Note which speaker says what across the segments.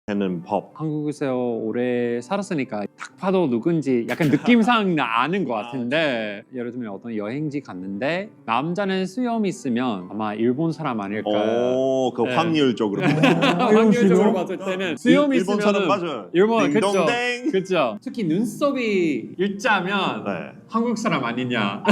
Speaker 1: 하는 법.
Speaker 2: 한국에서 오래 살았으니까 딱 봐도 누군지 약간 느낌상 아는 것 같은데 예를 들면 어떤 여행지 갔는데 남자는 수염 있으면 아마 일본 사람 아닐까.
Speaker 1: 그
Speaker 2: 네.
Speaker 1: 확률적으로.
Speaker 2: 확률적으로 봤을 때는 수염
Speaker 1: 일본
Speaker 2: 있으면
Speaker 1: 사람 맞아요.
Speaker 2: 일본 그쵸.
Speaker 1: 딩동댕.
Speaker 2: 그쵸. 특히 눈썹이 일자면
Speaker 1: 네.
Speaker 2: 한국 사람 아니냐.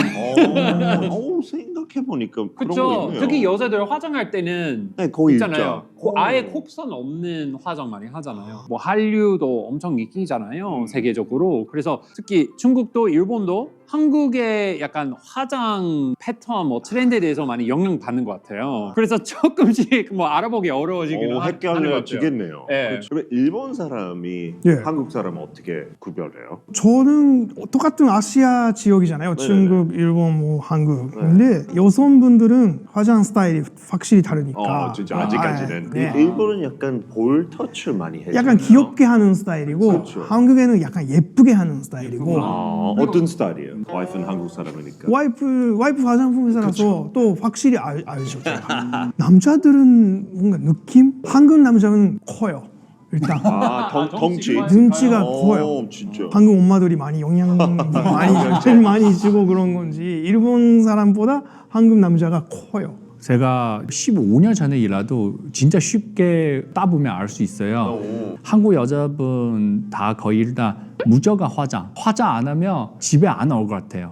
Speaker 1: 생각해 보니까 그런 거
Speaker 2: 그쵸.
Speaker 1: 있네요.
Speaker 2: 특히 여자들 화장할 때는
Speaker 1: 네, 거의
Speaker 2: 있잖아요.
Speaker 1: 일자.
Speaker 2: 아예 콕선 없는 화장 많이 하잖아요. 뭐 한류도 엄청 인기잖아요. 세계적으로. 그래서 특히 중국도 일본도 한국의 약간 화장 패턴, 뭐 트렌드에 대해서 많이 영향 받는 것 같아요. 그래서 조금씩 뭐 알아보기 어려워지긴 하는 것 같아요.
Speaker 1: 헷갈려지겠네요.
Speaker 2: 네.
Speaker 1: 그렇죠. 그럼 일본 사람이
Speaker 3: 예.
Speaker 1: 한국 사람 어떻게 구별해요?
Speaker 3: 저는 똑같은 아시아 지역이잖아요.
Speaker 1: 네네네.
Speaker 3: 중국, 일본, 뭐 한국.
Speaker 1: 네.
Speaker 3: 근데 여성분들은 화장 스타일이 확실히 다르니까.
Speaker 1: 진짜 아직까지는.
Speaker 3: 네.
Speaker 1: 일본은 약간 볼 터치 많이 해요.
Speaker 3: 약간 귀엽게 하는 스타일이고
Speaker 1: 그렇죠.
Speaker 3: 한국에는 약간 예쁘게 하는 스타일이고
Speaker 1: 어떤 스타일이에요? 와이프는 한국 사람이니까.
Speaker 3: 와이프 화장품 회사라서 또 확실히 알죠. 제가. 남자들은 뭔가 느낌? 한국 남자는 커요. 일단
Speaker 1: 덩치.
Speaker 3: 눈치가 커요.
Speaker 1: 진짜.
Speaker 3: 한국 엄마들이 많이 영양 많이 주고 그런 건지 일본 사람보다 한국 남자가 커요.
Speaker 4: 제가 15년 전에 일하도 진짜 쉽게 따보면 알 수 있어요. 한국 여자분 다 거의 일단 무조건 화장 안 하면 집에 안 올 것 같아요.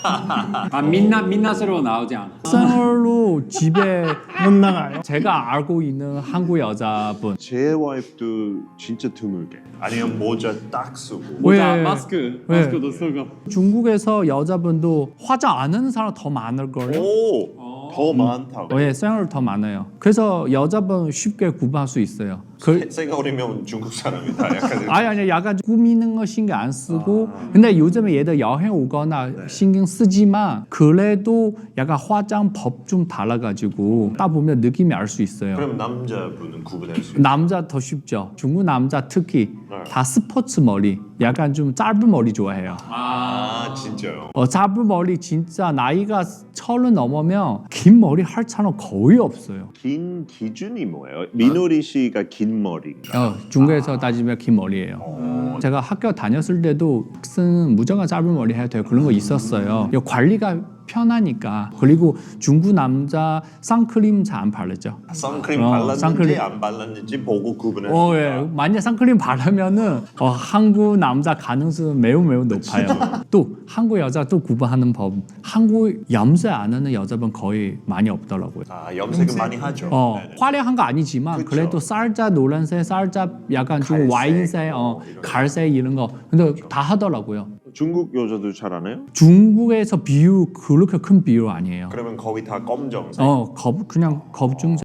Speaker 2: 민낯으로 나오지 않아.
Speaker 4: 생얼로 집에
Speaker 3: 못 나가요.
Speaker 4: 제가 알고 있는 한국 여자분
Speaker 1: 제 와이프도 진짜 드물게. 아니면 모자 딱 쓰고.
Speaker 2: 모자,
Speaker 4: 왜?
Speaker 2: 마스크도 쓰고.
Speaker 4: 중국에서 여자분도 화장 안 하는 사람 더 많을걸요?
Speaker 1: 더 많다고.
Speaker 4: 예, 생얼 더 많아요. 그래서 여자분 쉽게 구분할 수 있어요.
Speaker 1: 생얼이면 중국 사람이다. 약간.
Speaker 4: 아니 약간 꾸미는 거 신경 안 쓰고 근데 요즘에 얘들 여행 오거나 신경 쓰지만 그래도 약간 화장법 좀 달라가지고 딱 보면 느낌이 알 수 있어요.
Speaker 1: 그럼 남자분은 구분할 수 있어요?
Speaker 4: 남자 더 쉽죠. 중국 남자 특히 다 스포츠 머리 약간 좀 짧은 머리 좋아해요.
Speaker 1: 진짜요?
Speaker 4: 짧은 머리 진짜 나이가 30 넘으면 긴 머리 할 사람 거의 없어요.
Speaker 1: 긴 기준이 뭐예요? 민호리 씨가 긴 머리인가?
Speaker 4: 중국에서 따지면 긴 머리예요. 제가 학교 다녔을 때도 학생은 무조건 짧은 머리 해야 돼요. 그런 거 있었어요. 관리가 편하니까. 그리고 중국 남자 선크림 잘 안 바르죠.
Speaker 1: 선크림 발랐는지
Speaker 4: 선크림.
Speaker 1: 안 발랐는지 보고 구분할 수 있다.
Speaker 4: 예. 만약 선크림 바르면은 한국 남자 가능성은 매우 높아요. 또 한국 여자 또 구분하는 법. 한국 염색 안 하는 여자분 거의 많이 없더라고요.
Speaker 1: 염색은 많이 하죠.
Speaker 4: 화려한 거 아니지만
Speaker 1: 그쵸.
Speaker 4: 그래도 살짝 노란색, 살짝 약간 좀
Speaker 1: 갈색,
Speaker 4: 와인색,
Speaker 1: 이런
Speaker 4: 갈색 이런 거 근데 다 하더라고요.
Speaker 1: 중국 여자도 잘 안 해요?
Speaker 4: 중국에서 비율 그렇게 큰 비율 아니에요.
Speaker 1: 그러면 거의 다 검정색.
Speaker 4: 그냥 겁중